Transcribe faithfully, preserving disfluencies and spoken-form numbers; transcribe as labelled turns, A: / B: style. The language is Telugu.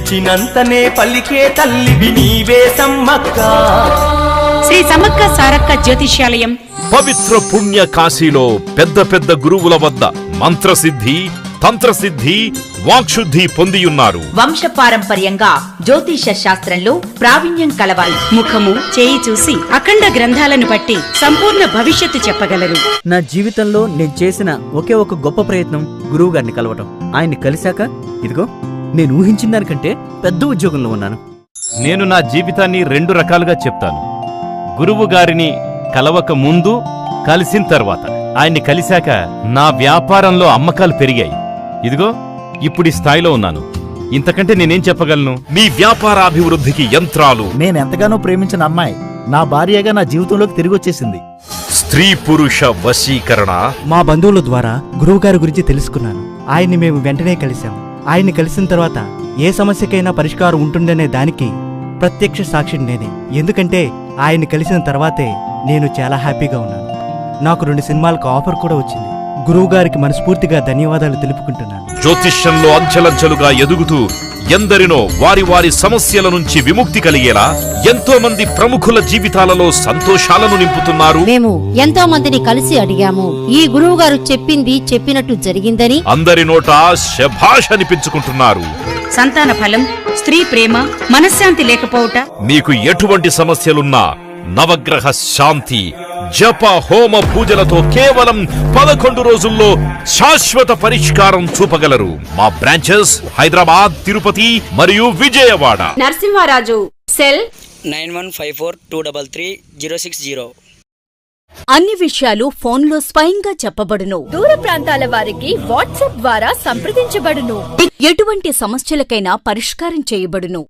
A: పిలిచినంతనే పలికే తల్లివి నీవే సమ్మక్క.
B: శ్రీ సమ్మక్క సారక్క జ్యోతిష్యాలయం
C: పవిత్ర పుణ్య కాశీలో పెద్ద పెద్ద గురువుల వద్ద మంత్రసిద్ధి, తంత్రసిద్ధి, వాక్శుద్ధి పొందియున్నారు.
D: వంశపారంపర్యంగా జ్యోతిష శాస్త్రంలో ప్రావీణ్యం కలవారు.
B: ముఖము చేయి చూసి అఖండ గ్రంథాలను బట్టి సంపూర్ణ భవిష్యత్తు చెప్పగలరు.
E: నా జీవితంలో నేను చేసిన ఒకే ఒక గొప్ప ప్రయత్నం గురువు గారిని కలవటం. ఆయన్ని కలిశాక ఇదిగో నేను ఊహించిన దానికంటే పెద్ద ఉద్యోగంలో ఉన్నాను.
F: నేను నా జీవితాన్ని రెండు రకాలుగా చెప్తాను. గురువు గారిని కలవక ముందు, కలిసిన తర్వాత. ఆయన్ని కలిశాక నా వ్యాపారంలో అమ్మకాలు పెరిగాయి. ఇదిగో ఇప్పుడు ఈ స్థాయిలో ఉన్నాను. ఇంతకంటే నేనేం చెప్పగలను?
C: మీ వ్యాపారాభివృద్ధికి యంత్రాలు.
G: నేనెంతగానో ప్రేమించిన అమ్మాయి నా భార్యగా నా జీవితంలోకి తిరిగి వచ్చేసింది.
C: స్త్రీ పురుష వశీకరణ.
H: మా బంధువుల ద్వారా గురువుగారి గురించి తెలుసుకున్నాను. ఆయన్ని మేము వెంటనే కలిశాం. ఆయన్ని కలిసిన తర్వాత ఏ సమస్యకైనా పరిష్కారం ఉంటుందనే దానికి ప్రత్యక్ష సాక్షిని నేనే. ఎందుకంటే ఆయన్ని కలిసిన తర్వాతే నేను చాలా హ్యాపీగా ఉన్నాను. నాకు రెండు సినిమాలకు ఆఫర్ కూడా వచ్చింది. గురువుగారికి మనస్ఫూర్తిగా ధన్యవాదాలు తెలుపుకుంటున్నాను.
C: జ్యోతిష్యంలో అంచెలంచెలుగా ఎదుగుతూ ఎందరినో వారి వారి సమస్యల నుంచి విముక్తి కలిగేలా ఎంతో మంది ప్రముఖుల జీవితాలలో సంతోషాలను నింపుతున్నారు.
I: మేము ఎంతో మందిని కలిసి అడిగాము. ఈ గురువు గారు చెప్పింది చెప్పినట్టు జరిగిందని
C: అందరి నోట శభాష్ అనిపించుకుంటున్నారు.
B: సంతాన ఫలం, స్త్రీ ప్రేమ, మనశ్శాంతి లేకపోవుట,
C: మీకు ఎటువంటి సమస్యలున్నా నవగ్రహ శాంతి, జప హోమ పూజలతో కేవలం పదకొండు రోజుల్లో శాశ్వత పరిష్కారం చూపగలరు. మా బ్రాంచెస్ హైదరాబాద్, తిరుపతి మరియు Vijayawada.
D: Narasimharaju cell
J: nine one five four two double three zero six zero.
D: అన్ని విషయాలు ఫోన్లో స్వయంగా చెప్పబడును. దూర ప్రాంతాల వారికి వాట్సాప్ ద్వారా సంప్రదించబడును. ఎటువంటి సమస్యలకైనా పరిష్కారం చేయబడును.